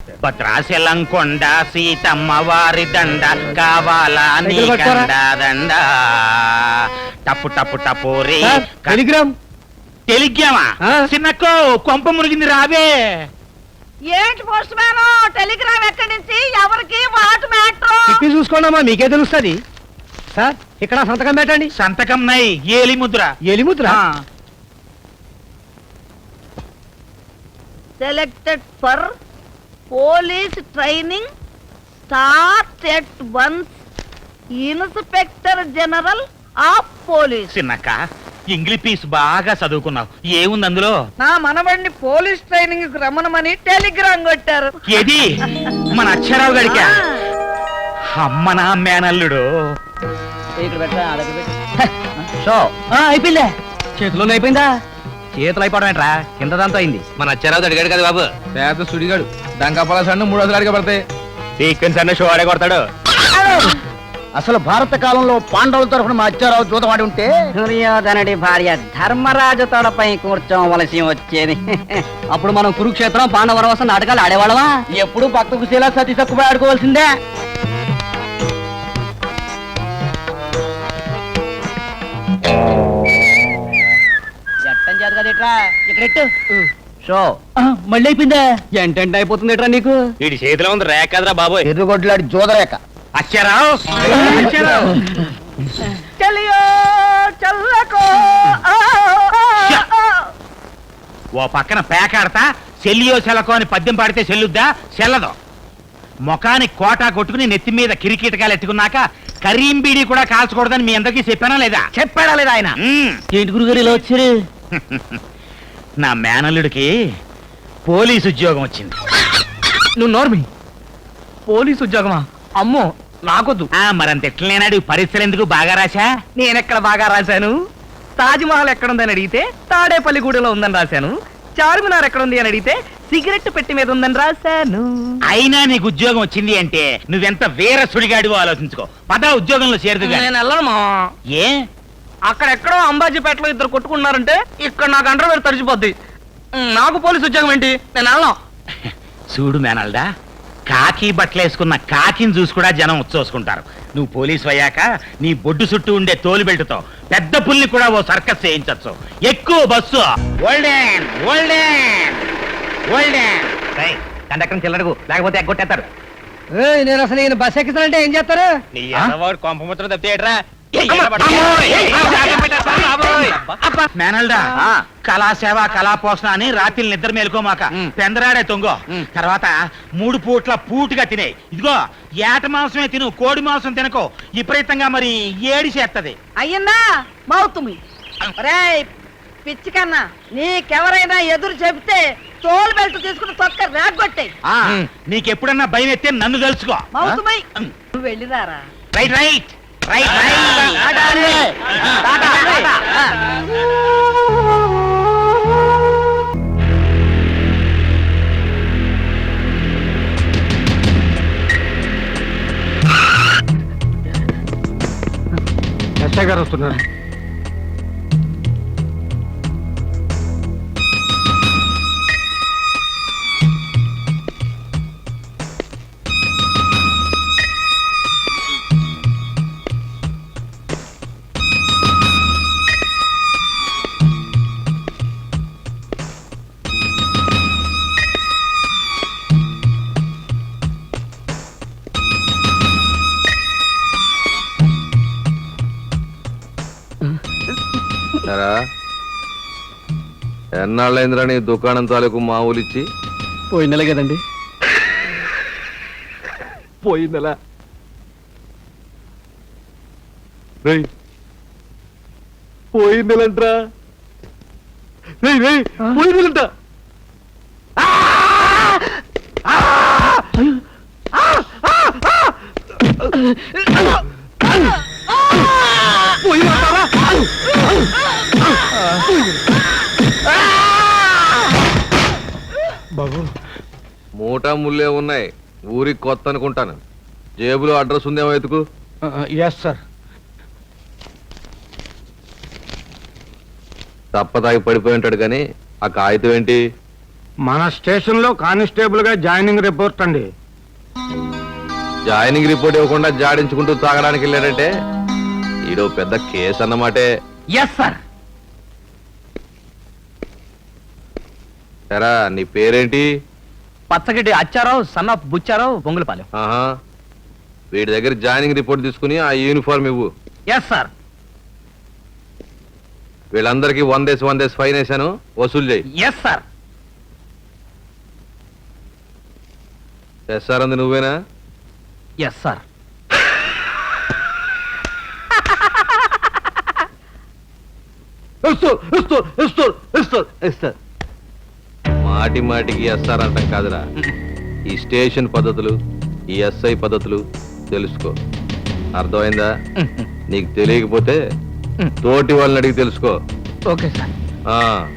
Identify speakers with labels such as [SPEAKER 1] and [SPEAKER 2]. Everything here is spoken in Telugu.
[SPEAKER 1] భద్రాచలంకొండ సీతమ్మ వారి దండ కావాలా నీ కండ దండ టప్పు టప్పు టపోరి
[SPEAKER 2] టెలిగ్రామ్
[SPEAKER 1] టెలిగ్రామా చిన్నక్కో కొంప మునిగింది రావే.
[SPEAKER 3] ఏంటి పోస్ట్ మ్యాన్ టెలిగ్రామ్ ఎక్కడి నుంచి ఎవరికి వాట్ మ్యాటర్
[SPEAKER 2] తిప్పి చూసుకోండమ్మా మీకే తెలుస్తుంది. సార్ ఇక్కడ సంతకం పెట్టండి.
[SPEAKER 1] సంతకం నై ఏలి ముద్ర.
[SPEAKER 2] ఎలిముద్ర
[SPEAKER 3] selected for police training start at once inspector general of police.
[SPEAKER 1] చిన్నక్క ఇంగ్లీష్ పీస్ బాగా చదువుకున్నావు, ఏముంది అందులో?
[SPEAKER 3] నా మనవడిని పోలీస్ ట్రైనింగ్ కు రమ్మనమని టెలిగ్రామ్ కొట్టారు.
[SPEAKER 1] ఏది మన అక్షరావు గడికా? అమ్మ నా మేనల్లుడు.
[SPEAKER 2] అయిపోయిందా? చేతిలో అయిపోయిందా? చేతులు అయిపోవడం ఏంట్రా, కింద దాంతో అయింది.
[SPEAKER 4] మన అచ్చారావు అడిగాడు కదా బాబు, పేద సుడిగాడు డంకా సన్ను 3 రోజులు అడిగా పడతాయి.
[SPEAKER 1] సీక్వెన్స్ అన్న షో ఆడే కొడతాడు.
[SPEAKER 2] అసలు భారత కాలంలో పాండవుల తరఫున మా అచ్చారావు జూతవాడి ఉంటే దుర్యోధనుడి భార్య ధర్మరాజు తోడపై కూర్చోవలసి వచ్చేది. అప్పుడు మనం కురుక్షేత్రం పాండవరవసం నాటకాలు ఆడేవాళ్ళమా? ఎప్పుడు భక్త కుశీలా సతీ తక్కువ ఆడుకోవాల్సిందే. మళ్ళీ అయిపోయిందా? ఎంటెంట్ అయిపోతుంది ఎట్రా నీకు?
[SPEAKER 1] వీడి చేతిలో ఉంది రేఖ కదరా బాబోయ్.
[SPEAKER 2] ఎర్రగొడ్లాడి జోదరేఖ.
[SPEAKER 1] అక్షరావు ఓ పక్కన పేకాడతా చెల్లియో చెలకో అని పద్యం పాడితే చెల్లుద్దా? చెల్లదు. ముఖానికి కోటా కొట్టుకుని నెత్తి మీద కిరికీటకాలు ఎట్టుకున్నాక కరీం బీడీ కూడా కాల్చకూడదని మీ అందరికీ చెప్పానా లేదా?
[SPEAKER 2] చెప్పాడా లేదా ఆయన?
[SPEAKER 1] ఏంటి గురుగారు ఇలా వచ్చారు? నా మేనల్లుడికి పోలీసు ఉద్యోగం వచ్చింది.
[SPEAKER 2] నువ్వు నోర్మి. పోలీసు ఉద్యోగమా? అమ్మో నాకొద్దు.
[SPEAKER 1] మరంత ఎట్లనేనాడు పరీక్షలు ఎందుకు బాగా రాశా?
[SPEAKER 2] నేనెక్కడ బాగా రాశాను? తాజ్మహల్ ఎక్కడుందని అడిగితే తాడేపల్లిగూడెలో ఉందని రాశాను. చార్మినార్ ఎక్కడుంది అని అడిగితే సిగరెట్ పెట్టి మీద ఉందని రాశాను.
[SPEAKER 1] అయినా నీకు ఉద్యోగం వచ్చింది అంటే నువ్వెంత వేర సుడిగాడివో ఆలోచించుకో. పద ఉద్యోగంలో చేరుదు.
[SPEAKER 2] నేను వెళ్ళను.
[SPEAKER 1] ఏ?
[SPEAKER 2] అక్కడెక్కడో అంబాజీపేటలో ఇద్దరు కొట్టుకున్నారంటే ఇక్కడ నాకు అండర్వేర్ తడిచిపోద్ది. నాకు పోలీసు ఉద్యోగం ఏంటి? నేను వెళ్ళను.
[SPEAKER 1] చూడు మేనల్డా, కాకి బట్టలేసుకున్న కాకిని చూసి కూడా జనం ఉచ్చోసుకుంటారు. నువ్వు పోలీసు అయ్యాక నీ బొడ్డు చుట్టూ ఉండే తోలు బెల్టుతో పెద్ద పుల్ని కూడా ఓ సర్కస్ చేయించచ్చు. ఎక్కువ బస్సు.
[SPEAKER 2] కండక్టర్ చిల్లడకు, లేకపోతే ఎగ్గొట్టేస్తారు. నేను అసలు ఈయన బస్ ఎక్కిస్తానంటే ఏం చేస్తారు?
[SPEAKER 1] కొంపముత్రం తప్పేట్రా. మేనల్డా, కళాసేవ కళాపోషణ అని రాత్రి నిద్ర మేలుకోమాక పెందరాడే తొంగో. తర్వాత 3 పూట్ల పూటుగా తినే. ఇదిగో ఏట మాంసమే తిను, కోడి మాంసం తినకో. విపరీతంగా మరి ఏడి చేస్తది.
[SPEAKER 3] అయ్యిందా మౌతుమి? పిచ్చి కన్నా నీకెవరైనా ఎదురు చెబితే తోలు బెల్ట్ తీసుకుని తొక్క రాగొట్టే.
[SPEAKER 1] నీకెప్పుడన్నా భయం ఎత్తే నన్ను తెలుసుకో.
[SPEAKER 3] మౌతుమై నువ్వు వెళ్ళిరారా.
[SPEAKER 1] రైట్ రైట్ రైట్
[SPEAKER 2] ఎస్ఐ గారు వస్తున్నారు.
[SPEAKER 4] ఎన్నాళ్ళైందిరా నీ దుకాణం తాలూకు మామూలిచ్చి?
[SPEAKER 2] పోయిన నెల కదండి.
[SPEAKER 4] పోయిన నెల? పోయిన నెలంట్రా. పోయిన నెలంట. మూటా ముల్లే ఉన్నాయి. ఊరికి కొత్త అనుకుంటాను. జేబులో అడ్రస్ ఉందేమో ఎతుకు.
[SPEAKER 2] Yes sir.
[SPEAKER 4] తప్ప తాగి పడిపోయి ఉంటాడు కానీ ఆ కాగితం ఏంటి?
[SPEAKER 5] మన స్టేషన్ లో కానిస్టేబుల్ గా జాయినింగ్ రిపోర్ట్ అండి.
[SPEAKER 4] జాయినింగ్ రిపోర్ట్ ఇవ్వకుండా జాడించుకుంటూ తాగడానికి వెళ్ళాడంటే ఈడో పెద్ద కేసు అన్నమాటే.
[SPEAKER 1] Yes sir.
[SPEAKER 4] ఎరా నీ పేరేంటి?
[SPEAKER 2] పచ్చగడ్డి అచ్చారావు సన్ ఆఫ్ బుచ్చారావు బొంగులపాలెం.
[SPEAKER 4] ఆహా, వీడి దగ్గర జాయినింగ్ రిపోర్ట్ తీసుకుని ఆ యూనిఫామ్ ఇవ్వు.
[SPEAKER 1] Yes sir.
[SPEAKER 4] వీళ్ళందరికీ 100 ఫైన్ వేశాను, వసూలు చేయి.
[SPEAKER 1] Yes sir.
[SPEAKER 4] ఎస్ఆర్ అంది నువ్వేనా?
[SPEAKER 1] Yes sir.
[SPEAKER 4] మాటి మాటికి ఎస్ఆర్ అంటాం కాదురా. ఈ స్టేషన్ పద్ధతులు, ఈ ఎస్ఐ పద్ధతులు తెలుసుకో. అర్థమైందా? నీకు తెలియకపోతే తోటి వాళ్ళని అడిగి తెలుసుకో.
[SPEAKER 1] Okay sir.
[SPEAKER 4] ఆ